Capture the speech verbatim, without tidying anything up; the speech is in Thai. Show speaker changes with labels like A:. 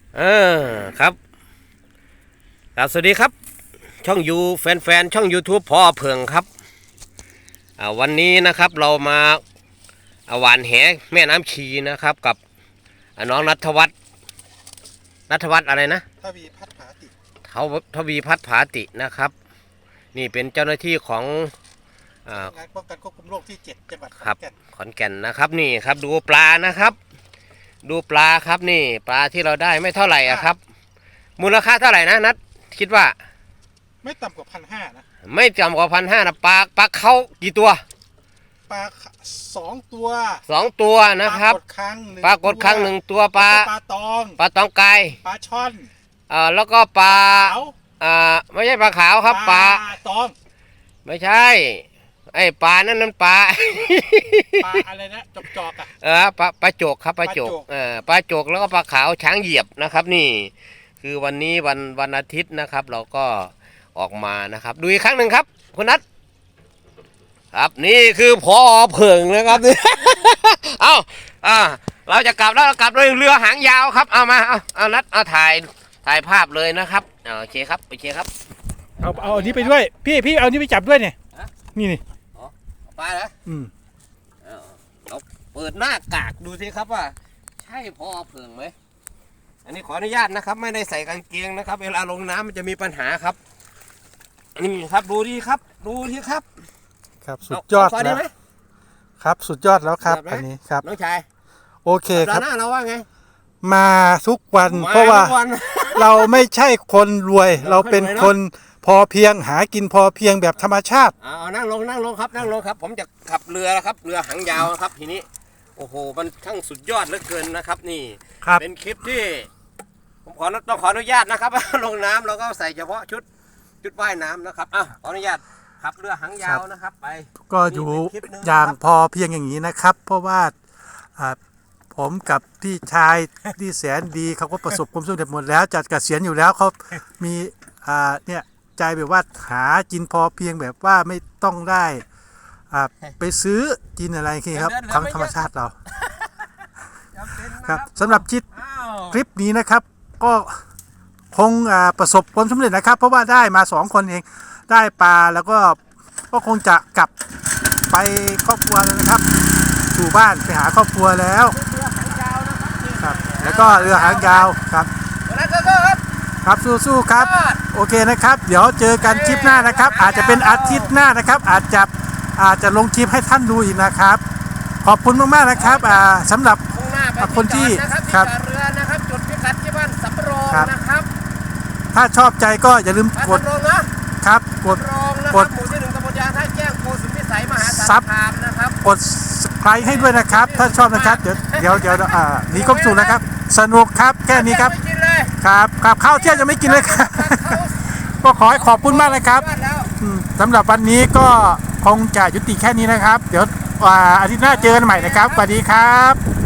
A: เออครับครับสวัสดีครับช่องยูแฟนๆช่อง YouTube พ่อเพิงครับวันนี้นะครับเรามาหวานแหแม่น้ำชีนะครับกับน้องณัฐวัฒน์ณัฐวัฒน์อะไรนะ
B: ทวีพัฒน์ผาติ
A: เขาทวีพัฒน์ผาตินะครับนี่เป็นเจ้าหน้าที่ของ
B: งานป้องกันควบคุมโรคที่เจ็ดจังหวัดขอ
A: นแก่นขอนแก่นนะครับนี่ครับดูปลานะครับดูปลาครับนี่ปลาที่เราได้ไม่เท่าไหร่อ่ะครับมูลค่าเท่าไหร่นะนัดคิดว่า
B: ไม่ต่ำกว่าพันห้านะ
A: ไม่ต่ำกว่าพันห้านะปลาปลาเขากี่ตัว
B: ปลาสองตัว
A: สองตัวนะครับปลากดครั้งหนึ่งตัวปลา
B: ปลาตอง
A: ปลาตองไก่
B: ปลาช่อน
A: อ่าแล้วก็ปลาอ่าไม่ใช่ปลาขาวครับปลา
B: ตอง
A: ไม่ใช่ไอ้ปลานั่นนั่นปลา
B: ปลาอะไรนะจกจอกอ่ะ
A: เออปลาปลาโจกครับปลาโจกเออปลาโจกแล้วก็ปลาขาวช้างเหยียบนะครับนี่คือวันนี้วันวันอาทิตย์นะครับเราก็ออกมานะครับดูอีกครั้งหนึ่งครับคุณนัทครับนี่คือพอเพิงนะครับเอ้าอ่าเราจะกลับแล้วเรากลับด้วยเรือหางยาวครับเอามาเอาเอานัทเอาถ่ายถ่ายภาพเลยนะครับโอเคครับโอเคครับ
B: เอาเอาอันนี้ไปด้วยพี่พี่เอาอันนี้ไปจับด้วยเนี่ยนี่นี่
A: ปลาเหรออืมเราเปิดหน้ากากดูสิครับว่าใช่พอเพิงไหมอันนี้ขออนุญาตนะครับไม่ได้ใส่กางเกงนะครับเวลาลงน้ำมันจะมีปัญหาครับนี่ครับดูดีครับดูดีครับ
B: ครับสุดยอดแล้วครับสุดยอดแล้วครับอันนี้ครับ
A: น้องชาย
B: โอเคครับ
A: หน้าเราว่าไง
B: มาทุกวันเพราะว่าเราไม่ใช่คนรวยเราเป็นคนพอเพียงหากินพอเพียงแบบธรรมชาติ
A: เอานั่งลงนั่งลงครับนั่งลงครับผมจะขับเรือแล้วครับเรือหางยาวครับทีนี้โอ้โหมันช่างสุดยอดเหลือเกินนะครับนี่เป็นคลิปที่ผมขอต้องขออนุญาตนะครับลงน้ำเราก็ใส่เฉพาะชุดชุดว่ายน้ำนะครับอ่ะขออนุญาตขับเรือหางยาวนะครับไป
B: ก็อยู่อย่างพอเพียงอย่างนี้นะครับเพราะว่าผมกับพี่ชายที่แสนดีเขาก็ประสบความสำเร็จหมดแล้วจัดเกษียณอยู่แล้วเขามีอ่าเนี่ยใจแบบว่าหากินพอเพียงแบบว่าไม่ต้องได้อ่าไปซื้อกินอะไรคือครับทั้งธรรมชาติเราครับสำหรับคลิปคลิปนี้นะครับก็คงประสบความสำเร็จนะครับเพราะว่าได้มาสองคนเองได้ปลาแล้วก็ก็คงจะกลับไปครอบครัวเลยนะครับสู่บ้านไปหาครอบครัวแล้วครับแล้วก็เรือหางยาวครับครับสู้ๆครับโอเคนะครับเดี๋ยวเจอกันคลิปหน้านะครับอาจจะเป็นอาทิตย์หน้านะครับอาจจะอาจจะลงคลิปให้ท่านดูอีกนะครับขอบคุณมากๆนะครับอ่าสำหรับคนที่ครับ
A: เรือนะครับจุดพิกัดที่บ้านสำโรงนะครับ
B: ถ้าชอบใจก็อย่าลืมกดครับกด
A: กดหมู่ที่หนึ่งตำบลยางท่าแจ้งโพสุพิสัยมหาสารคามนะครับ
B: กดไลค์ให้ด้วยนะครับถ้าชอบนะครับเดี๋ยวเดี๋ยวเดี๋ยวอ่านี่ก็สูงนะครับสนุกครับแค่นี้ครับครับครับข้าวเที่ยงจะไม่กินเลยครับก็ขอให้ขอบคุณมากนะครับสำหรับวันนี้ก็คงจะยุติแค่นี้นะครับเดี๋ยวอาทิตย์หน้าเจอกันใหม่นะครับสวัสดีครับ